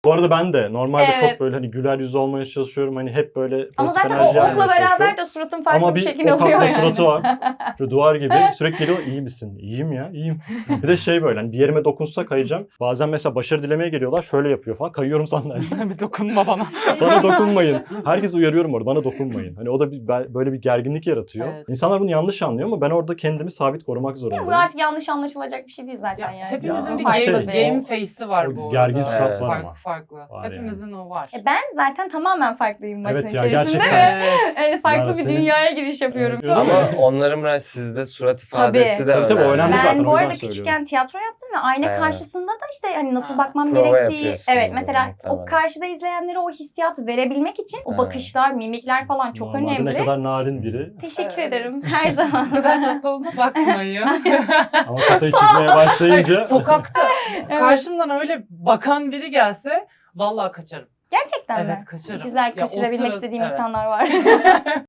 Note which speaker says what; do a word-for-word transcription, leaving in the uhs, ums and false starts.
Speaker 1: Bu arada ben de normalde
Speaker 2: Evet.
Speaker 1: çok böyle hani güler yüzü olmaya çalışıyorum. Hani hep böyle
Speaker 2: Ama
Speaker 1: pozitif
Speaker 2: zaten o
Speaker 1: enerji
Speaker 2: okla
Speaker 1: almaya
Speaker 2: beraber
Speaker 1: çalışıyorum.
Speaker 2: de suratın farklı
Speaker 1: Ama
Speaker 2: bir
Speaker 1: bir
Speaker 2: şekil
Speaker 1: o
Speaker 2: alıyor
Speaker 1: tatlı
Speaker 2: yani.
Speaker 1: suratı var. Şu duvar gibi sürekli geliyor, iyi misin? İyiyim ya, iyiyim. Bir de şey böyle hani bir yerime dokunsa kayacağım. Bazen mesela başarı dilemeye geliyorlar, şöyle yapıyor falan. Kayıyorum sandalyeden.
Speaker 3: Bir dokunma bana.
Speaker 1: Bana dokunmayın. Herkes uyarıyorum orada, bana dokunmayın. Hani o da bir, böyle bir gerginlik yaratıyor.
Speaker 3: Evet.
Speaker 1: İnsanlar bunu yanlış anlıyor ama ben orada kendimi sabit korumak
Speaker 2: Bu
Speaker 1: zorundayım.
Speaker 2: artık yanlış anlaşılacak bir şey değil zaten
Speaker 3: Ya,
Speaker 2: yani.
Speaker 3: hepimizin
Speaker 1: Ya
Speaker 3: bir
Speaker 1: ama
Speaker 3: game,
Speaker 1: şey,
Speaker 3: game
Speaker 1: o-
Speaker 3: face'i var
Speaker 1: o
Speaker 3: bu
Speaker 1: gergin
Speaker 3: arada.
Speaker 1: surat
Speaker 3: Evet,
Speaker 1: var
Speaker 3: farklı
Speaker 1: ama.
Speaker 3: farklı.
Speaker 1: Var
Speaker 3: Hepimizin o var.
Speaker 2: E ben zaten tamamen farklıyım maçın
Speaker 1: Evet ya,
Speaker 2: içerisinde
Speaker 1: gerçekten.
Speaker 2: ve
Speaker 3: Evet.
Speaker 2: e, farklı
Speaker 1: Yani
Speaker 2: bir
Speaker 1: senin-
Speaker 2: dünyaya giriş yapıyorum.
Speaker 1: Evet,
Speaker 4: Ama onların biraz sizde surat ifadesi
Speaker 2: Tabii.
Speaker 4: de
Speaker 1: Tabii, tabii, o önemli
Speaker 2: Ben
Speaker 1: zaten, o
Speaker 2: bu
Speaker 1: yüzden
Speaker 2: arada
Speaker 1: söylüyorum.
Speaker 2: küçükken tiyatro yaptım ve ayna
Speaker 4: Evet.
Speaker 2: karşısında da işte hani nasıl
Speaker 3: Ha.
Speaker 2: bakmam
Speaker 4: Prova
Speaker 2: gerektiği,
Speaker 4: yapıyorsunuz
Speaker 2: evet mesela o
Speaker 4: muhtemelen.
Speaker 2: karşıda izleyenlere o hissiyatı verebilmek için o
Speaker 4: Ha.
Speaker 2: bakışlar, mimikler falan çok
Speaker 1: Normalde
Speaker 2: önemli.
Speaker 1: ne kadar narin biri.
Speaker 2: Teşekkür
Speaker 3: Evet.
Speaker 2: ederim her zaman.
Speaker 3: Ben tatlı olduğuna bakmayın.
Speaker 1: Ama kafayı çizmeye başlayınca...
Speaker 3: Hayır, sokakta
Speaker 2: Evet.
Speaker 3: karşımdan öyle bakan biri gelse vallahi kaçarım.
Speaker 2: Gerçekten mi?
Speaker 3: Evet, kaçarım.
Speaker 2: Güzel
Speaker 3: Ya o
Speaker 2: kaçırabilmek
Speaker 3: sıra-
Speaker 2: istediğim
Speaker 3: evet.
Speaker 2: insanlar var.